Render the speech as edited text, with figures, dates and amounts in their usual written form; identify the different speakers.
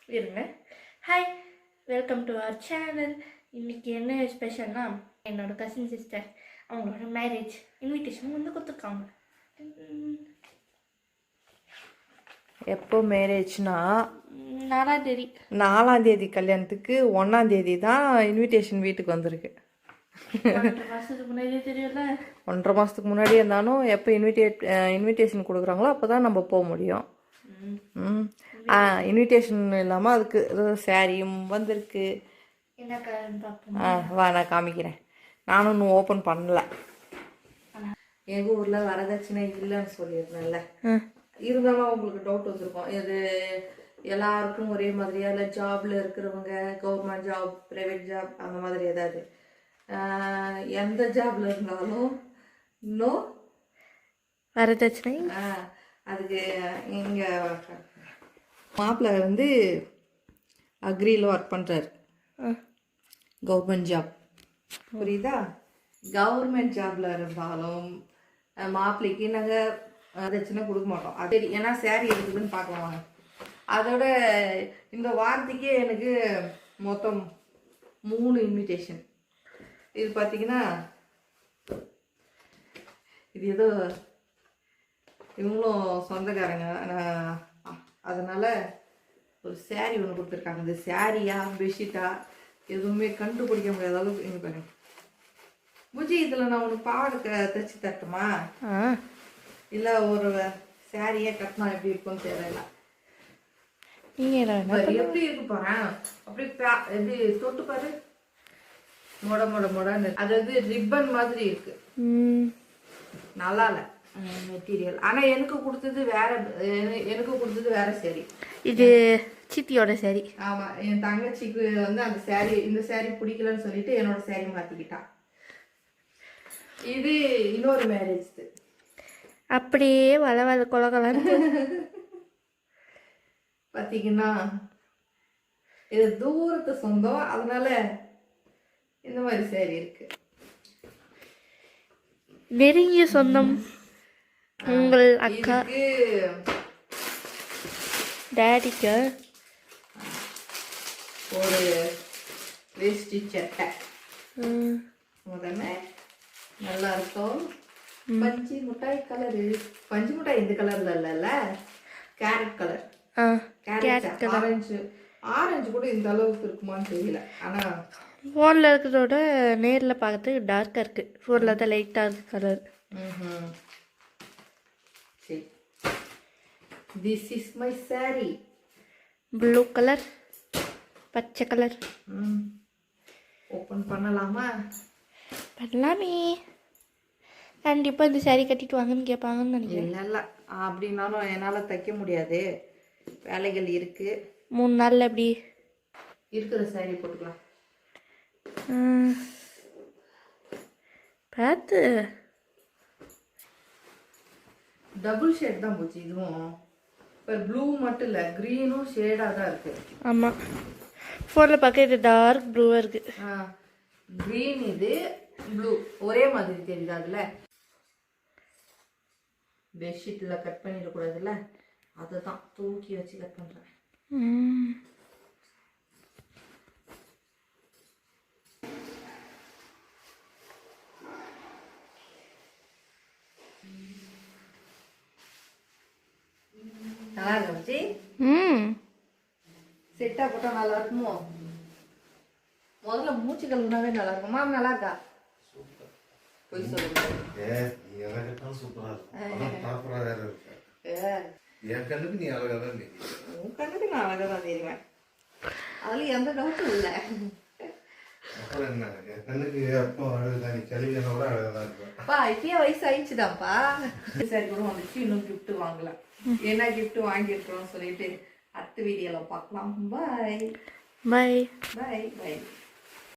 Speaker 1: இருங்க. Hi, welcome to our channel. இன்றைக்கி என்ன ஸ்பெஷல்னா என்னோட கசின் சிஸ்டர் அவங்களோட மேரேஜ் இன்விடேஷன் வந்து கொடுத்துருக்காங்க.
Speaker 2: எப்போ மேரேஜ்னா
Speaker 1: 4ஆம் தேதி.
Speaker 2: 4ஆம் தேதி கல்யாணத்துக்கு 1ஆம் தேதி தான் இன்விடேஷன் வீட்டுக்கு வந்திருக்கு.
Speaker 1: 1.5 மாதத்துக்கு முன்னாடியே தெரியல.
Speaker 2: 1.5 மாதத்துக்கு முன்னாடியே இருந்தாலும் எப்போ இன்விடேஷன் கொடுக்குறாங்களோ அப்போ தான் நம்ம போக முடியும். இன்விடேஷன் இல்லாமல் அதுக்கு சாரியும் வந்திருக்கு.
Speaker 1: என்ன கலர்னு பார்ப்போம்.
Speaker 2: வா நான் காமிக்கிறேன். நானும் இன்னும் ஓப்பன் பண்ணல. எங்கள் ஊரில் வரதட்சணை இல்லைன்னு சொல்லியிருந்தேன்ல, இருந்தாலும் உங்களுக்கு டவுட் வந்திருக்கும், இது எல்லாருக்கும் ஒரே மாதிரியா இல்லை ஜாப்ல இருக்கிறவங்க, கவர்மெண்ட் ஜாப், ப்ரைவேட் ஜாப் அந்த மாதிரி ஏதாவது எந்த ஜாப்ல இருந்தாலும் இன்னும்
Speaker 1: வரதட்சணை.
Speaker 2: அதுக்கு எங்கள் மாப்பிள்ளை வந்து அக்ரியில் ஒர்க் பண்ணுறாரு, கவர்மெண்ட் ஜாப். புரியுதா? கவர்மெண்ட் ஜாப்ல இருந்தாலும் மாப்பிள்ளைக்கு நாங்கள் வரதட்சணை கொடுக்க மாட்டோம். அது ஏன்னா சேரீ இருக்குதுன்னு பார்க்கலாம். அதோட இந்த வாரத்துக்கே எனக்கு மொத்தம் 3 இன்விடேஷன். இது பார்த்தீங்கன்னா இது ஏதோ இவங்களும் சொந்தக்காரங்க, அதனால ஒரு சேரீ ஒன்று கொடுத்துருக்காங்க. இந்த சேரீயா பெட்ஷீட்டா எதுவுமே கண்டுபிடிக்க முடியாத அளவுக்கு இங்கே பாருங்க. பூஜி, இதில் நான் உனக்கு பாவாடை தைச்சி தட்டுமா, இல்லை ஒரு சேரீயே கட்டினா எப்படி இருக்கும்னு தெரியல.
Speaker 1: நீங்கள்
Speaker 2: எப்படி இருக்கு போகிறேன், அப்படி எப்படி தொட்டு பாரு, மொடன்னு. அதாவது ரிப்பன் மாதிரி இருக்கு, நல்லா இல்லை மெட்டீரியல். ஆனால் எனக்கு கொடுத்தது வேற சேரீ.
Speaker 1: இது சித்தியோட சேரீ.
Speaker 2: ஆமாம், என் தங்கச்சிக்கு வந்து அந்த சேரீ, இந்த சேரீ பிடிக்கலன்னு சொல்லிட்டு என்னோட சேரீ மாற்றிக்கிட்டான். இது இன்னொரு மேரேஜ்.
Speaker 1: அப்படியே வள கொலகலன்னு
Speaker 2: பார்த்தீங்கன்னா இது தூரத்து சொந்தம், அதனால இந்த மாதிரி சேரீ இருக்கு.
Speaker 1: நெருங்கிய சொந்தம் உங்கள் அக்கா டேடிக்கு
Speaker 2: ஒரு வேஷ்டி சட்டை முதல்ல நல்லா இருக்கும். பஞ்சு மிட்டாய் கலரு, பஞ்சு மிட்டாய் இந்த கலர்ல இல்லைல்ல, கேரட் கலர். ஆரஞ்சு கூட இந்த அளவுக்கு இருக்குமான்னு தெரியல. ஆனா
Speaker 1: ஃபோனில் இருக்கிறதோட நேரில் பார்க்கறதுக்கு டார்க்காக இருக்குது. ஃபோனில் தான் லைட்டாக இருக்குது கலர்.
Speaker 2: சரி, this is my sari.
Speaker 1: Blue colour, பச்சை கலர்.
Speaker 2: ஓப்பன் பண்ணலாமா?
Speaker 1: பண்ணலாமே. கண்டிப்பாக இந்த சாரீ கட்டிட்டு வாங்கன்னு கேட்பாங்கன்னு நினைக்கிறேன்.
Speaker 2: இல்லை அப்படின்னாலும் என்னால் தைக்க முடியாது, வேலைகள் இருக்குது.
Speaker 1: 3 நாளில் எப்படி
Speaker 2: இருக்கிற சாரீ போட்டுக்கலாம்.
Speaker 1: பார்த்து
Speaker 2: டபுள் ஷேட் தான் போச்சு இதுவும். இப்போ ப்ளூ மட்டும் இல்லை, க்ரீனும் ஷேடாக தான் இருக்குது.
Speaker 1: ஆமாம், ஃபோனில் பார்க்க இது டார்க் ப்ளூவாக இருக்குது.
Speaker 2: க்ரீன் இது ப்ளூ ஒரே மாதிரி தெரியுது. அதில் பெட்ஷீட்டில் கட் பண்ணிடக்கூடாதுல்ல, அதை தான் தூக்கி வச்சு கட் பண்ணுறேன். நல்லா இருந்துச்சு. செட்டா போட்டா நல்லா இருக்குமோ? முதல்ல மூச்சு கழுவுனாவே நல்லா இருக்கும். மாம் நல்லா இருக்கா? போய் சொல்லுங்க.
Speaker 3: என் கண்ணுக்கு நீ அழகா தான் தெரியும்.
Speaker 2: உன் கண்ணுக்கு நான் அழகா தான் தெரியுவேன், அதுல எந்த டவுட்டும் இல்லை.
Speaker 3: அப்புறம் என்ன, என் கண்ணுக்கு அப்போ அழகுதான், நீ கல்வியோட அழகா இருப்பேன்.
Speaker 2: இப்பயே வயசு ஆயிடுச்சுதான்ப்பா. சரி கூட வந்துச்சு, இன்னும் கிஃப்ட் வாங்கலாம். என்ன கிஃப்ட் வாங்கியிருக்கிறோம் சொல்லிட்டு அடுத்த வீடியோல பார்க்கலாம். பாய்
Speaker 1: பாய்
Speaker 2: பாய் பாய்.